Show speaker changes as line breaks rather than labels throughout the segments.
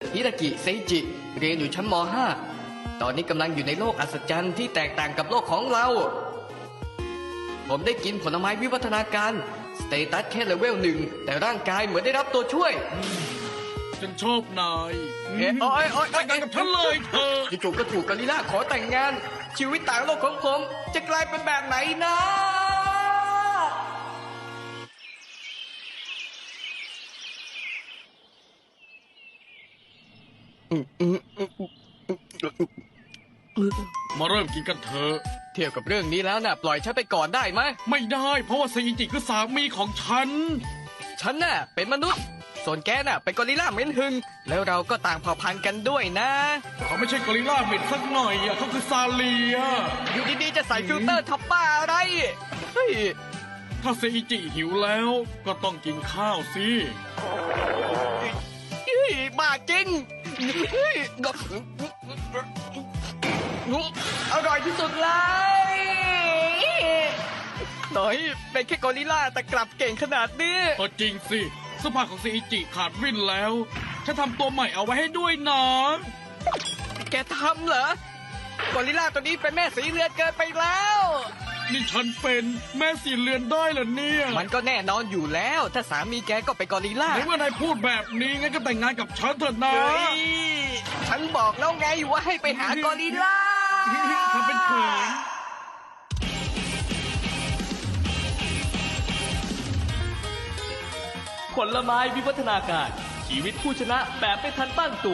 ฮิรากิเซจิ เรียนอยู่ชั้นม .5 ตอนนี้กำลังอยู่ในโลกอัศจรรย์ที่แตกต่างกับโลกของเรา ผมได้กินผลไม้วิวัฒนาการสเตตัสแค่เลเวล 1แต่ร่างกายเหมือนได้รับตัวช่วย
ฉันชอบนาย
โอ๊ย
แต่งงานกับฉันเลยเธอ
จู่ๆก็ถูกกอริลลาขอแต่งงาน ชีวิตต่างโลกของผมจะกลายเป็นแบบไหนนะ
มาเริ่มกินกันเถอะ
เทียบกับเรื่องนี้แล้วน่ะปล่อยฉันไปก่อนได้ไหม
ไม่ได้เพราะว่าเซอิจิคือสามีของฉัน
ฉันน่ะเป็นมนุษย์ ส่วนแกน่ะเป็นกอริลลาเหม็นหึง แล้วเราก็ต่างเผ่าพันธุ์กันด้วยนะ
เขาไม่ใช่กอริลลาเหม็นสักหน่อยอ่ะเขาคือซาเลีย
อยู่ดีๆจะใส่ฟิลเตอร์ทับป้าอะไร เฮ้ย
ถ้าเซอิจิหิวแล้วก็ต้องกินข้าวสิ
บ้าจริงเฮ้ยอร่อยที่สุดเลยหน่อยเป็นแค่กอริลลาแต่กลับเก่งขนาดนี้
ก็จริงสิเสื้อผ้าของเซอิจิขาดวิ่นแล้วฉันทำตัวใหม่เอาไว้ให้ด้วยนะ
แกทำเหรอกอริลลาตัวนี้เป็นแม่สีเลือดเกินไปแล้ว
นี่ฉันเป็นแม่สีเลือนได้เหรอเนี่ย
มันก็แน่นอนอยู่แล้ว ถ้าสามีแกก็เป็นกอริลลา
ในเมื่อนายพูดแบบนี้งั้นก็แต่งงานกับฉันเถอะนะ
เฮ้ยฉันบอกแล้วไงว่าให้ไปหากอริลลา
ทำเป็นเขิน
ผลไม้วิวัฒนาการ ชีวิตผู้ชนะแบบไม่ทันตั้งตัว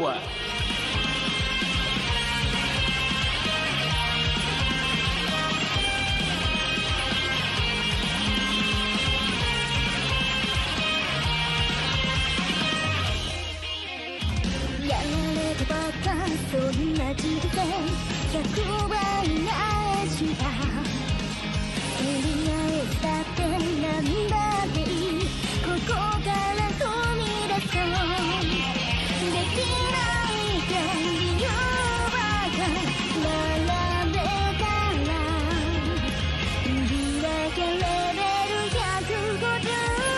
やられたばっかそんな人生100倍なしたエリアへだってなんだっていいここから踏み出そうできないか理由ばか並べたら売り上げレベル150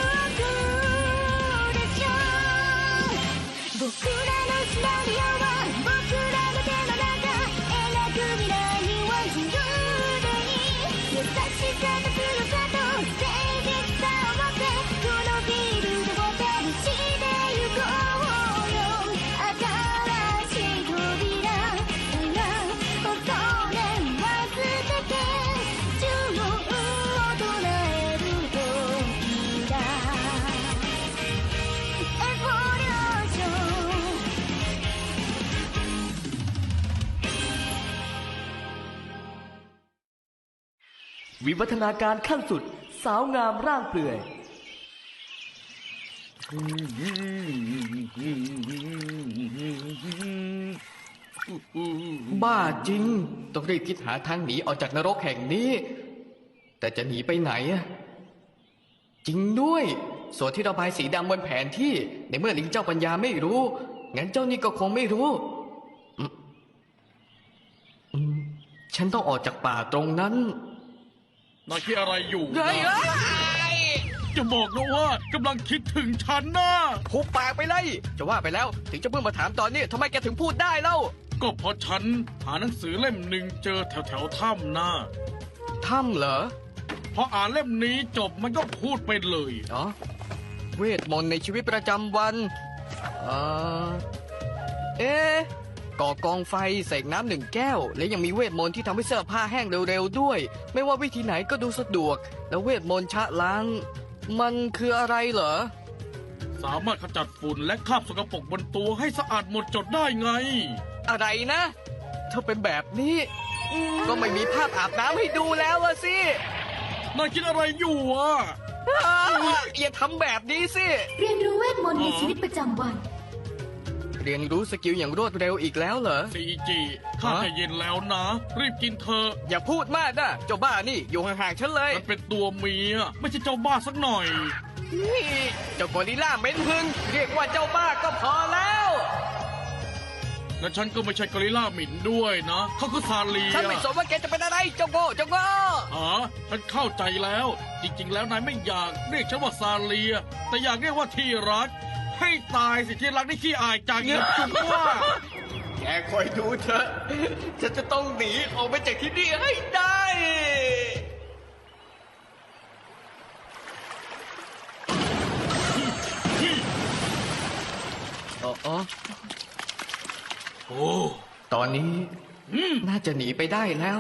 でしょ僕らのシナリオは僕らの手の中描く未来は自由でいい優しさと強さと誠実さを持ってこのフィールドを旅してゆこうよ新しい扉から恐れは捨てて呪文を唱える時だエボリューション
วิวัฒนาการขั้นสุด สาวงามร่างเปลือย
บ้าจริง ต้องรีบคิดหาทางหนีออกจากนรกแห่งนี้ แต่จะหนีไปไหนอะจริงด้วย ส่วนที่ระบายสีดำบนแผนที่ ในเมื่อลิงเจ้าปัญญาไม่รู้ งั้นเจ้านี่ก็คงไม่รู้ฉันต้องออกจากป่าตรงนั้น
นายคิดอะไรอยู่
เฮ้ย
นะจะบอกนะว่ากำลังคิดถึงฉันนะ
หุบปากไปเลย จะว่าไปแล้ว ถึงจะเพิ่งมาถามตอนนี้ทำไมแกถึงพูดได้เล่า
ก็เพราะฉันหาหนังสือเล่มหนึ่งเจอแถวถ้ำนะ
ถ้ำเหรอ
พออ่านเล่มนี้จบมันก็พูดไปเลย
อ๋อเวทมนต์ในชีวิตประจำวันเอ่อเอ๊ะก่อกองไฟเสกน้ำ1 แก้ว และยังมีเวทมนต์ที่ทำให้เสื้อผ้าแห้งเร็วๆด้วย ไม่ว่าวิธีไหนก็ดูสะดวก แล้วเวทมนต์ชะล้าง มันคืออะไรเหรอ
สามารถขจัดฝุ่นและคราบสกปรกบนตัวให้สะอาดหมดจดได้ไง
อะไรนะถ้าเป็นแบบนี้ ก็ไม่มีภาพอาบน้ำให้ดูแล้วอะสิ
นายคิดอะไรอยู่อ่ะ
อย่าทำแบบนี้สิ
เรียนรู้เวทมนต์ในชีวิตประจำวัน
เรียนรู้สกิลอย่างรวดเร็วอีกแล้วเหรอ
ซีจีข้าจะเย็นแล้วนะ รีบกินเถอะ
อย่าพูดมากนะเจ้าบ้านี่อยู่ห่างๆฉันเลย
มันเป็นตัวเมียไม่ใช่เจ้าบ้าสักหน่อย
นี่เจ้ากอริลลาเหม็นหึงเรียกว่าเจ้าบ้าก็พอแล้ว
และฉันก็ไม่ใช่กอริลลาหมิ่นด้วยนะเขาคือซาเลีย
ฉันไม่สนว่าแกจะเป็นอะไรเจ้าโง่เจ้าโง่
อ๋อฉันเข้าใจแล้ว จริงๆ แล้วนายไม่อยากเรียกฉันว่าซาเลีย แต่อยากเรียกว่าที่รักให้ตายสิที่รักได้ขี้อายจังนะจุ๊บว่า
แกคอยดูเถอะ ฉันจะต้องหนีออกไปจากที่นี่ให้ได้อ๋อ
โอ้
ตอนนี้น่าจะหนีไปได้แล้ว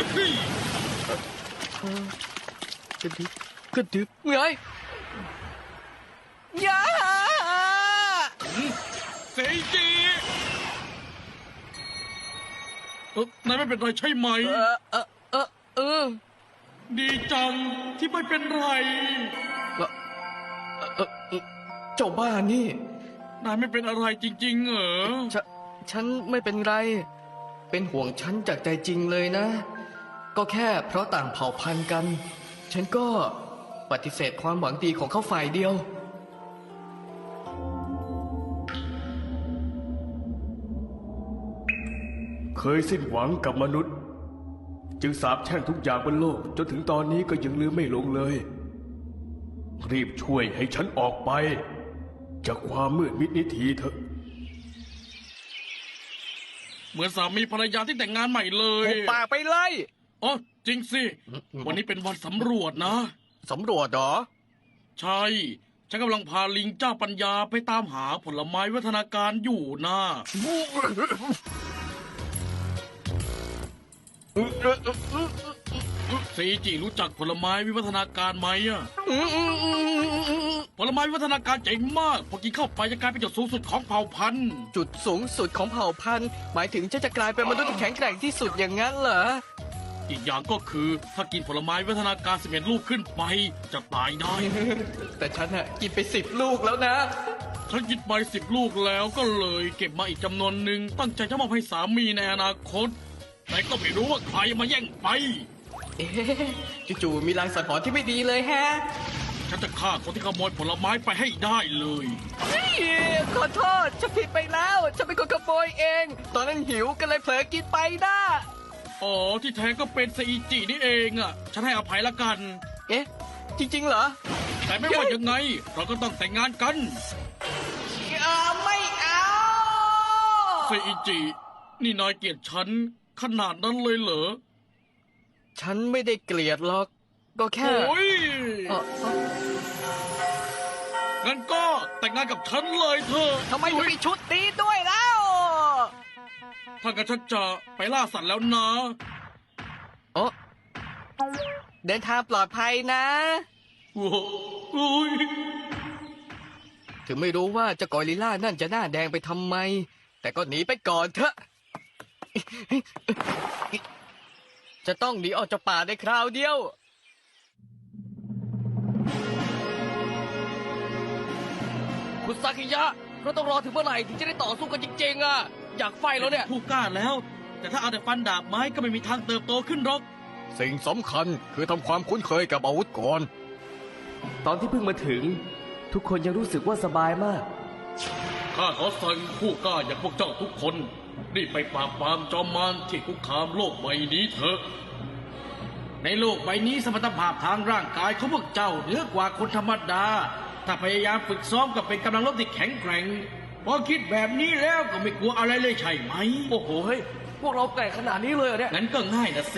กระดึบกระดึบเงยยา
เซอิจินายไม่เป็นไรใช่ไหม ดีจังที่ไม่เป็นไร
เจ้าบ้านี่
นายไม่เป็นอะไรจริงๆเหรอ
ฉันไม่เป็นไร เป็นห่วงฉันจากใจจริงเลยนะ ก็แค่เพราะต่างเผ่าพันธุ์กัน ฉันก็ปฏิเสธความหวังดีของเขาฝ่ายเดียว
เคยสิ้นหวังกับมนุษย์ จึงสาปแช่งทุกอย่างบนโลก จนถึงตอนนี้ก็ยังลืมไม่ลงเลย รีบช่วยให้ฉันออกไป จากความมืดมิดนี้ทีเถอะ
เหมือนสามีภรรยาที่แต่งงานใหม่เลย
หุบปากไปเลย
อ๋อจริงสิ วันนี้เป็นวันสำรวจนะ
สำรวจเหรอ
ใช่ ฉันกำลังพาลิงเจ้าปัญญาไปตามหาผลไม้วัฒนาการอยู่นะ ซีจิรู้จักผลไม้วิวัฒนาการไหมอะผลไม้วิวัฒนาการเจ๋งมาก พอกินเข้าไปจะกลายเป็นจุดสูงสุดของเผ่าพันธุ์
จุดสูงสุดของเผ่าพันธุ์ หมายถึงฉันจะกลายเป็นมนุษย์ที่แข็งแกร่งที่สุดอย่างนั้นเหรอ
อีกอย่างก็คือถ้ากินผลไม้วิวัฒนาการ11ลูกขึ้นไปจะตายได้
แต่ฉันอะกินไป10 ลูกแล้วนะ
ฉันกินไป10 ลูกแล้วก็เลยเก็บมาอีกจำนวนหนึ่งตั้งใจจะมอบให้สามีในอนาคต แต่ก็ไม่รู้ว่าใครมาแย่งไป
เอ๊ะจู่ๆมีลางสังหรณ์ที่ไม่ดีเลยแฮะ
ฉันจะฆ่าคนที่ขโมยผลไม้ไปให้ได้เลย
เฮ้ยขอโทษ ฉันผิดไปแล้ว ฉันเป็นคนขโมยเอง ตอนนั้นหิวก็เลยเผลอกินไปนะ
อ๋อที่แท้ก็เป็นเซอิจินี่เองอ่ะ ฉันให้อภัยละกัน
เอ๊ะ จริงๆเหรอ
แต่ไม่ว่ายังไง เราก็ต้องแต่งงานกัน
ไม่เอา
เซอิจิ นี่นายเกลียดฉันขนาดนั้นเลยเหรอ
ฉันไม่ได้เกลียดหรอก ก็แค่
โอ้ย
เอ่อ
งั้นก็แต่งงานกับฉันเลยเถอะ
ทำไมถึงมีชุดนี้ด้วยแล้ว
ถ้างั้นฉันจะไปล่าสัตว์แล้วนะ
โอ้เดินทางปลอดภัยนะ
โอ้โอ้ย
ถึงไม่รู้ว่าเจ้ากอริลล่านั่นจะหน้าแดงไปทำไม แต่ก็หนีไปก่อนเถอะ จะต้องหนีออกจากป่าในคราวเดียว คุณซากิยะ เราต้องรอถึงเมื่อไหร่ถึงจะได้ต่อสู้กันจริงๆอ่ะ อยากไฟแล้วเนี่ย
ผู้กล้าแล้ว แต่ถ้าเอาแต่ฟันดาบไม้ก็ไม่มีทางเติบโตขึ้นหรอก
สิ่งสำคัญคือทำความคุ้นเคยกับอาวุธก่อน
ตอนที่เพิ่งมาถึง ทุกคนยังรู้สึกว่าสบายมาก
ข้าขอสั่งผู้กล้าอย่างพวกเจ้าทุกคนรีบไปปราบปรามจอมมารที่คุกคามโลกใบนี้เถอะ ในโลกใบนี้สมรรถภาพทางร่างกายของพวกเจ้าเหนือกว่าคนธรรมดา ถ้าพยายามฝึกซ้อมกับเป็นกำลังรบที่แข็งแกร่ง พอคิดแบบนี้แล้วก็ไม่กลัวอะไรเลยใช่ไหม
โอ้โหเฮ้ย พวกเราแกร่งขนาดนี้เลยเหรอเนี่ย
งั้นก็ง่ายนะสิ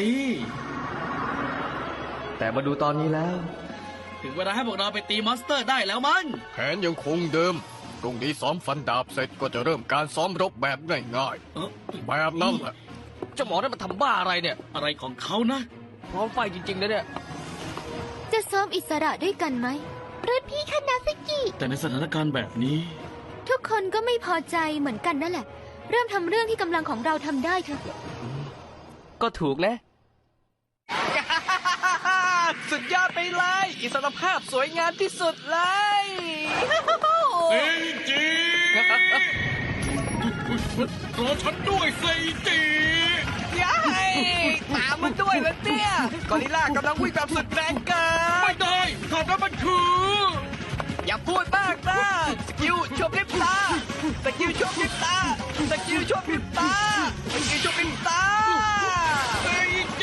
แต่มาดูตอนนี้แล้ว
ถึงเวลาให้พวกเราไปตีมอนสเตอร์ได้แล้วมั้ง
แผนยังคงเดิม พรุ่งนี้ซ้อมฟันดาบเสร็จก็จะเริ่มการซ้อมรบแบบง่าย
เอ้อ
ๆ แบบนั้นแหละ
เจ้าหมอนั่นมันทำบ้าอะไรเนี่ย
อะไรของเขานะ
พร้อมไฟจริงๆนะเนี่ย
จะซ้อมอิสระด้วยกันไหมรุ่นพี่คณะสกิ
แต่ในสถานการณ์แบบนี้
ทุกคนก็ไม่พอใจเหมือนกันนั่นแหละ เริ่มทำเรื่องที่กำลังของเราทำได้เถอะ
ก็ถูกนะ
สุดยอดไปเลย อิสรภาพสวยงามที่สุดเลย
เซจิ รอฉันด้วยเซจิ
ย้ายตามมันด้วยนะเนี่ยกอริลล่ากำลังวิ่งแบบสุดแรงเกิ
ไม่
น
ได้ถามนั้นมันคือ
อย่าพูดมากนะสกิลชมพริบตาสกิลชมพริบตาสกิลชมพริบตาสกิลชมพริบตา
เซจิ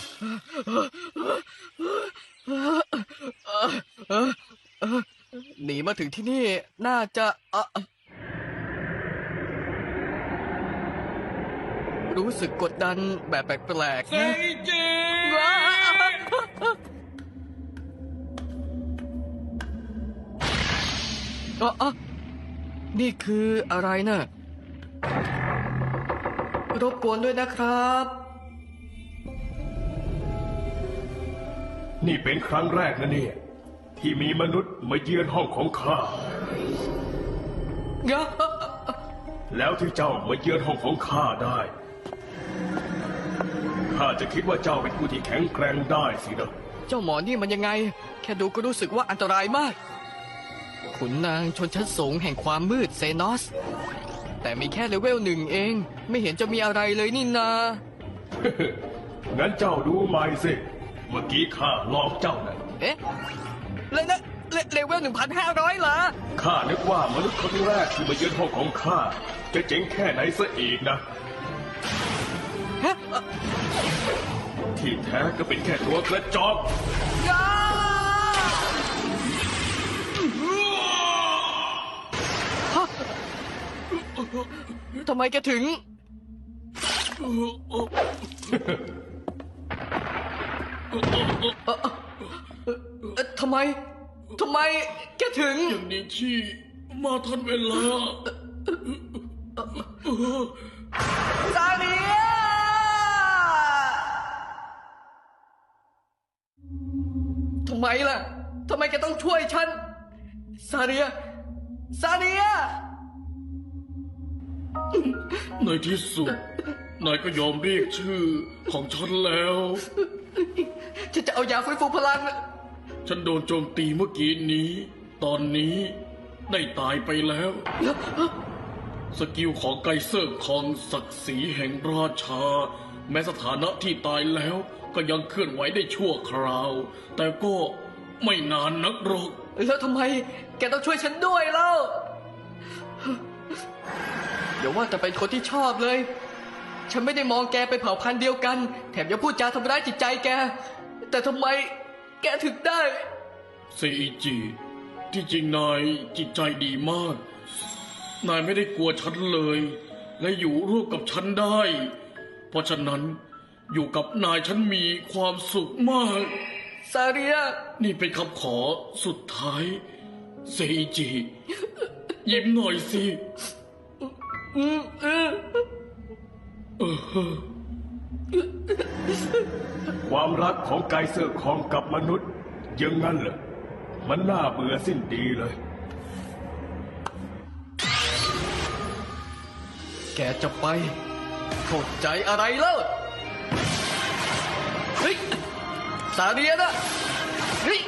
หนีมาถึงที่นี่น่าจะรู้สึกกดดันแบบแปลกๆ
เซ
นะ
อิจิ
ว้าวนี่คืออะไรนะ่ะรบกวนด้วยนะครับ
นี่เป็นครั้งแรกนะเนี่ย ที่มีมนุษย์มาเยือนห้องของข้า แล้วที่เจ้ามาเยือนห้องของข้าได้ ข้าจะคิดว่าเจ้าเป็นผู้ที่แข็งแกร่งได้สินะ
เจ้าหมอนี่มันยังไง แค่ดูก็รู้สึกว่าอันตรายมาก ขุนนางชนชั้นสูงแห่งความมืดเซนอส แต่มีแค่เลเวลหนึ่งเอง ไม่เห็นจะมีอะไรเลยนี่นา
งั้นเจ้าดูใหม่สิ เมื่อกี้ข้าหลอกเจ้านะ
เอ๊ะเลยนะเลเวล 1,500 เหรอ
ข้านึกว่ามนุษย์คนแรกที่มาเยือนห้องของข้าจะเจ๋งแค่ไหนซะอีกนะ
ฮะ
ที่แท้ก็เป็นแค่ตัวกระจอก
ทำไมแกถึง ทำไมแกถึง
อย่างนี้ที่มาทันเวลา
ซาเนียทำไมล่ะ ทำไมแกต้องช่วยฉัน ซาเนีย
ในที่สุด นายก็ยอมเรียกชื่อของฉันแล้ว
ฉันจะเอายาฟื้นฟูพลัง
ฉันโดนโจมตีเมื่อกี้นี้ ตอนนี้ได้ตายไปแล้ว สกิลของไกเซอร์ของศักดิ์ศรีแห่งราชา แม้สถานะที่ตายแล้วก็ยังเคลื่อนไหวได้ชั่วคราว แต่ก็ไม่นานนักหรอก
แล้วทำไมแกต้องช่วยฉันด้วยเล่าอย่าว่าแต่เป็นคนที่ชอบเลย ฉันไม่ได้มองแกเป็นเผ่าพันธุ์เดียวกัน แถมยังพูดจาทำร้ายจิตใจแก แต่ทำไมแกถึงได้
เซอิจิ ที่จริงนายจิตใจดีมาก นายไม่ได้กลัวฉันเลย และอยู่ร่วมกับฉันได้ เพราะฉะนั้นอยู่กับนายฉันมีความสุขมาก
ซาเรีย
นี่เป็นคำขอสุดท้ายเซอิจิ ยิ้มหน่อยสิ
ความรักของไกเซอร์คองกับมนุษย์อยังงั้นเหรอ มันน่าเบื่อสิ้นดีเลย
แกจะไปเข้าใจอะไรเล่าเฮ้ย ซาเรียนะเฮ้ย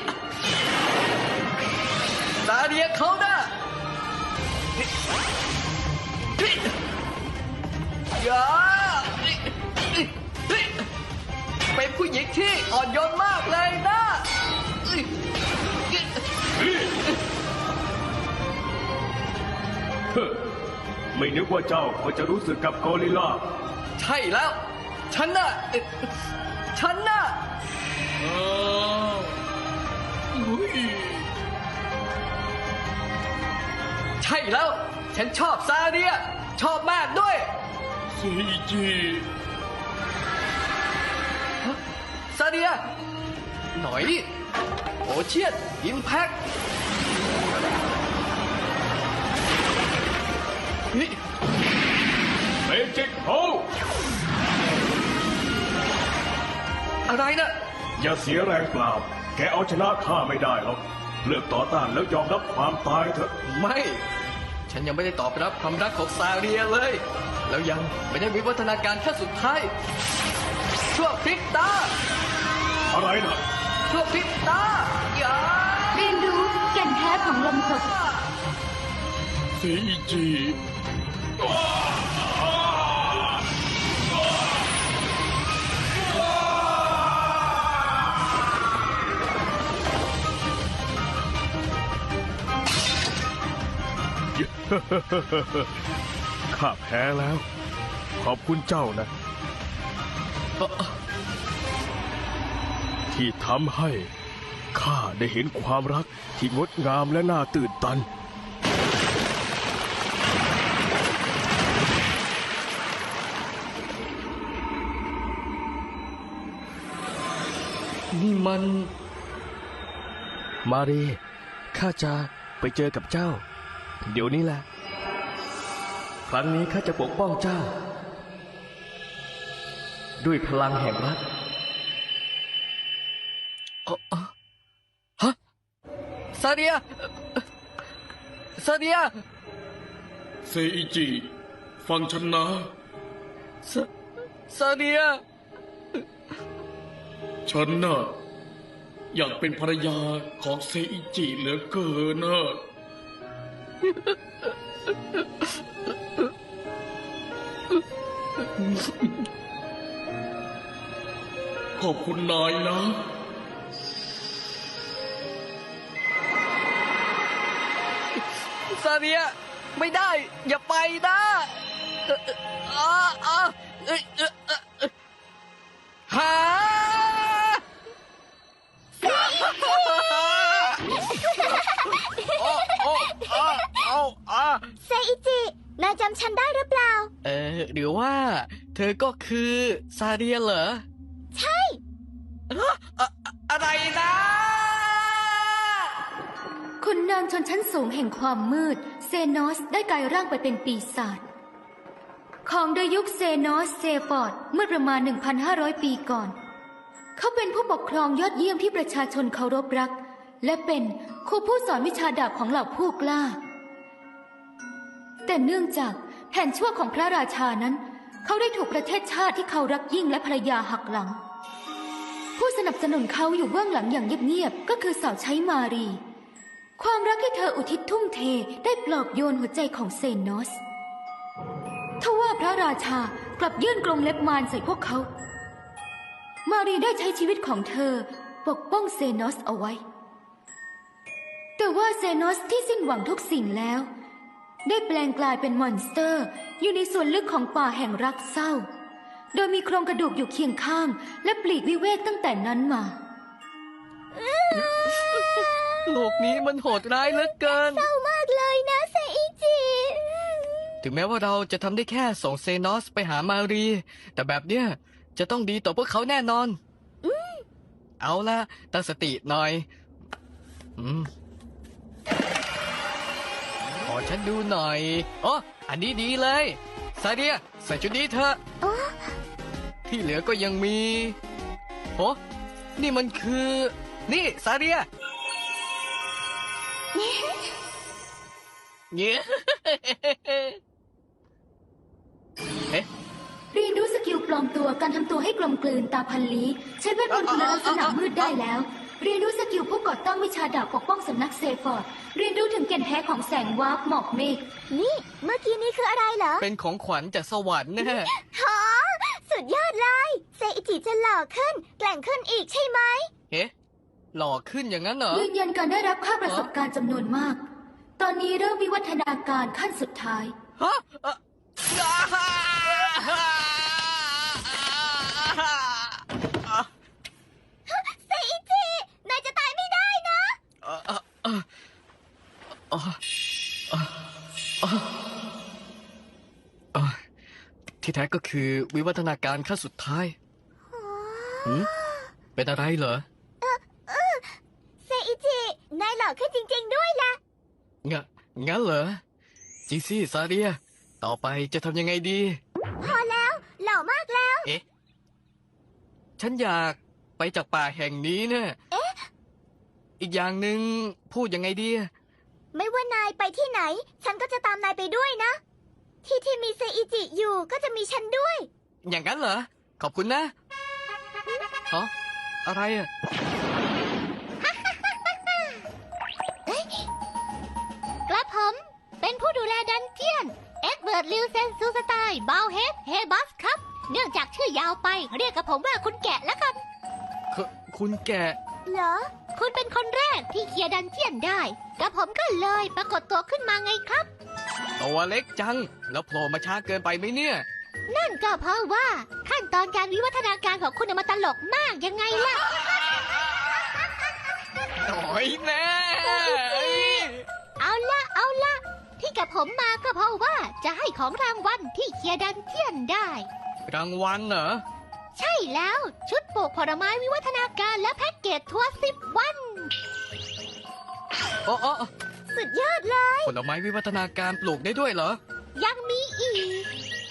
ซาเรียเขานะเฮ้ยอย่าเฮ้ยเป็นผู้หญิงที่อ่อนโยนมากเลยนะเฮ้ย
ไม่นึกว่าเจ้าก็จะรู้สึกกับกอริลลา
ใช่แล้ว ฉันน่ะ
อ้าวอุ๊ย
ใช่แล้ว ฉันชอบซาเรีย ชอบมากด้วย
เซอิจิ
ซาเรีย หน่อยโอเชียนอิมแพคเฮ้ย
เมจิกโฮ
อะไรนะ
อย่าเสียแรงเปล่า แกเอาชนะข้าไม่ได้หรอก เลิกต่อต้านแล้วยอมรับความตายเถอะ
ไม่ ฉันยังไม่ได้ตอบรับความรักของซาเรียเลย แล้วยังไม่ได้วิวัฒนาการขั้นสุดท้าย ชั่วพริบตา
อะไรนะ
ชั่วพริบตาอย่า
เรียนรู้แก่นแท้ของลมกด
เซอิจิ
ข้าแพ้แล้ว ขอบคุณเจ้านะ ที่ทำให้ข้าได้เห็นความรักที่งดงามและน่าตื่นตัน
นี่มัน
มารี ข้าจะไปเจอกับเจ้า เดี๋ยวนี้แหละ ครั้งนี้ข้าจะปกป้องเจ้า ด้วยพลังแห่งรัก
ฮะซาเดียซาเดีย
เซอิจิ ฟังฉันนะ
ซาเดีย
ฉันน่ะอยากเป็นภรรยาของเซอิจิเหลือเกินนะขอบคุณนายนะ
ซาเดีย ไม่ได้ อย่าไปนะหา
เซอิจิ นายจำฉันได้หรือเปล่า
หรือว่า เธอก็คือซาเดียเหรอ
ใช่
อะไรนะ
ขุนนางชนชั้นสูงแห่งความมืด เซนอสได้กลายร่างไปเป็นปีศาจของโดยยุคเซนอสเซฟอร์ดเมื่อประมาณ 1,500 ปีก่อน เขาเป็นผู้ปกครองยอดเยี่ยมที่ประชาชนเคารพรัก และเป็นครูผู้สอนวิชาดาบของเหล่าผู้กล้า แต่เนื่องจากแผนชั่วของพระราชานั้น เขาได้ถูกประเทศชาติที่เขารักยิ่งและภรรยาหักหลัง ผู้สนับสนุนเขาอยู่เบื้องหลังอย่างเงียบๆก็คือสาวใช้มารี ความรักที่เธออุทิศทุ่มเทได้ปลอบโยนหัวใจของเซนอสทว่าพระราชากลับยื่นกรงเล็บมารใส่พวกเขา มารีได้ใช้ชีวิตของเธอปกป้องเซนอสเอาไว้ แต่ว่าเซนอสที่สิ้นหวังทุกสิ่งแล้ว ได้แปลงกลายเป็นมอนสเตอร์อยู่ในส่วนลึกของป่าแห่งรักเศร้า โดยมีโครงกระดูกอยู่เคียงข้างและปลีกวิเวกตั้งแต่นั้นมา
โลกนี้มันโหดร้ายเหลือเกิน
เศร้ามากเลยนะเซอิจิ
ถึงแม้ว่าเราจะทำได้แค่ส่งเซนอสไปหามารี แต่แบบเนี้ยจะต้องดีต่อพวกเขาแน่นอน เอาละตั้งสติหน่อย ขอฉันดูหน่อยอ๋ออันนี้ดีเลยซาเดียใส่ชุดนี้เถอะที่เหลือก็ยังมีโอ้นี่มันคือ นี่ซาเดียเนี่ยเอ๊ะ
เรียนรู้สกิลปลอมตัวการทำตัวให้กลมกลืนตาพันลี้ใช้เวทมนต์คุณลักษณะมืดได้แล้ว เรียนรู้สกิลผู้ก่อตั้งวิชาดาบปกป้องสำนักเซฟอร์ดเรียนรู้ถึงแก่นแท้ของแสงวาร์ปหมอกเมฆ
นี่เมื่อกี้นี้คืออะไรเหรอ
เป็นของขวัญจากสวรรค์แน่
ฮะสุดยอดเลยเซอิจิจะหล่อขึ้น แกร่งขึ้นอีกใช่ไหม
เอ๊ะหล่อขึ้นอย่างนั้นเหรอ
ยืนยันการได้รับค่าประสบการณ์จำนวนมาก ตอนนี้เริ่มวิวัฒนาการขั้นสุดท้าย
ฮะอ่ะ
เซอิจิ นายจะตายไม่ได้นะ
ที่แท้ก็คือวิวัฒนาการขั้นสุดท้ายหืมเป็นอะไรเหรอ
เซอิจิ นายหล่อขึ้นจริงๆด้วยล่ะ
งั้นเหรอจีซี่ซาเดีย ต่อไปจะทำยังไงดี
พอแล้ว หล่อมากแล้ว
เอ๊ะ ฉันอยากไปจากป่าแห่งนี้เนี่ยอีกอย่างหนึ่งพูดยังไงดี
ไม่ว่านายไปที่ไหน ฉันก็จะตามนายไปด้วยนะ ที่มีเซอิจิอยู่ก็จะมีฉันด้วย
อย่างนั้นเหรอ ขอบคุณนะฮะอะไรอ่ะ
กระผมเป็นผู้ดูแลดันเจียน เอ็ดเวิร์ดลิวเซนซูสไตล์บาวเฮดเฮบัสครับ เนื่องจากชื่อยาวไป เรียกกับผมว่าคุณแกะแล้วกัน
คุณแกะ
เหรอ คุณเป็นคนแรกที่เคลียร์ดันเจียนได้กระผมก็เลยปรากฏตัวขึ้นมาไงครับ
ตัวเล็กจัง แล้วโผล่มาช้าเกินไปไหมเนี่ย
นั่นก็เพราะว่าขั้นตอนการวิวัฒนาการของคุณน่ะมันตลกมากยังไงล่ะ
น้อยแน่
เอาละที่กับผมมาก็เพราะว่าจะให้ของรางวัลที่เคลียร์ดันเจียนได้
รางวัลเหรอ
ใช่แล้วชุดปลูกผลไม้วิวัฒนาการและแพ็กเกจทัวร์10 วัน
โอ้
สุดยอดเลย
ผลไม้วิวัฒนาการปลูกได้ด้วยเหรอ
ยังมีอีก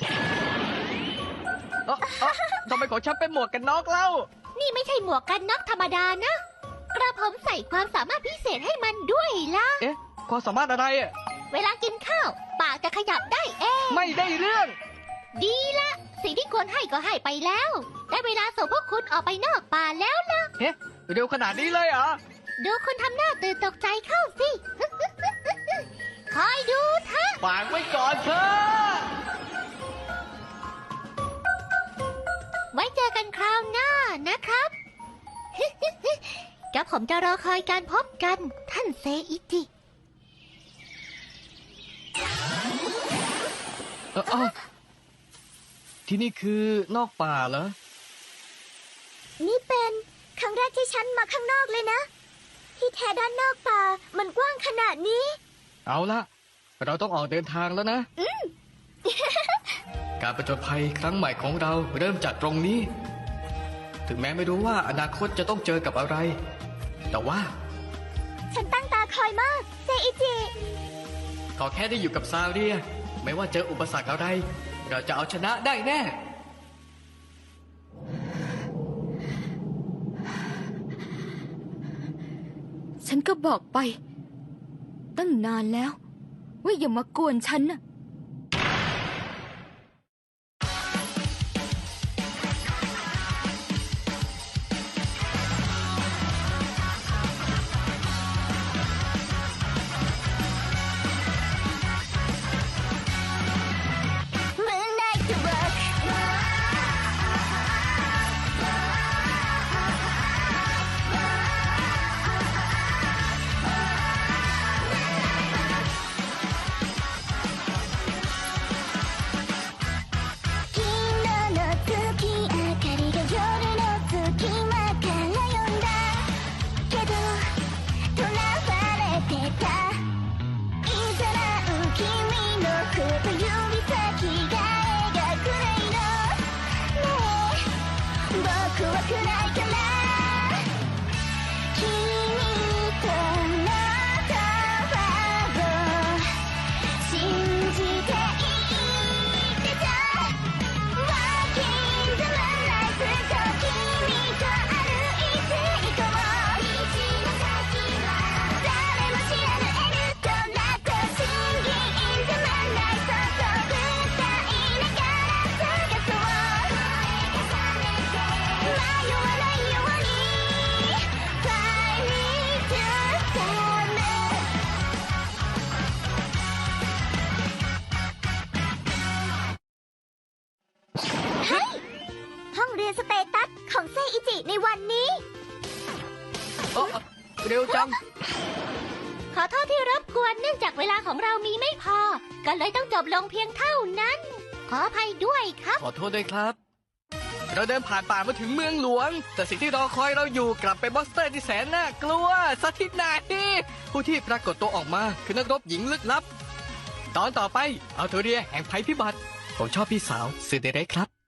ทำไมของฉันเป็นหมวกกันน็อกเล่า
นี่ไม่ใช่หมวกกันน็อกธรรมดานะ กระผมใส่ความสามารถพิเศษให้มันด้วยล่ะ
เอ๊ะ ความสามารถอะไรอ่ะ
เวลากินข้าว ปากจะขยับได้เอง
ไม่ได้เรื่อง
ดีละ สิ่งที่ควรให้ก็ให้ไปแล้ว ได้เวลาส่งพวกคุณออกไปนอกป่าแล้วล่ะ
เฮ้เร็วขนาดนี้เลยเหรอ
ดูคุณทำหน้าตื่นตกใจเข้าสิ คอยดูเถอะ
ฝากไว้ก่อนเถอะ
ไว้เจอกันคราวหน้านะครับ กับผมจะรอคอยการพบกันท่านเซอิจิ
ที่นี่คือนอกป่าเหรอ
นี่เป็นครั้งแรกที่ฉันมาข้างนอกเลยนะ ที่แท้ด้านนอกป่ามันกว้างขนาดนี้
เอาละเราต้องออกเดินทางแล้วนะ การประจนภัยครั้งใหม่ของเราเริ่มจากตรงนี้ ถึงแม้ไม่รู้ว่าอนาคตจะต้องเจอกับอะไร แต่ว่า
ฉันตั้งตาคอยมาก เซอิจิ
ขอแค่ได้อยู่กับซาเรีย ไม่ว่าเจออุปสรรคอะไร เราจะเอาชนะได้แน่
ฉันก็บอกไป ตั้งนานแล้ว ว่าอย่ามากวนฉันน่ะ
ห้องเรียนสเตตัสของเซอิจิในวันนี้
เร็วจัง
ขอโทษที่รบกวนเนื่องจากเวลาของเรามีไม่พอ ก็เลยต้องจบลงเพียงเท่านั้น ขออภัยด้วยครับ
ขอโทษด้วยครับ เราเดินผ่านป่ามาถึงเมืองหลวง แต่สิ่งที่รอคอยเราอยู่กลับเป็นมอนสเตอร์ที่แสนน่ากลัวสักทีไหนผู้ที่ปรากฏตัวออกมาคือนักรบหญิงลึกลับ ตอนต่อไปเอาเทเรียแห่งภัยพิบัติผมชอบพี่สาวซูเดเรครับ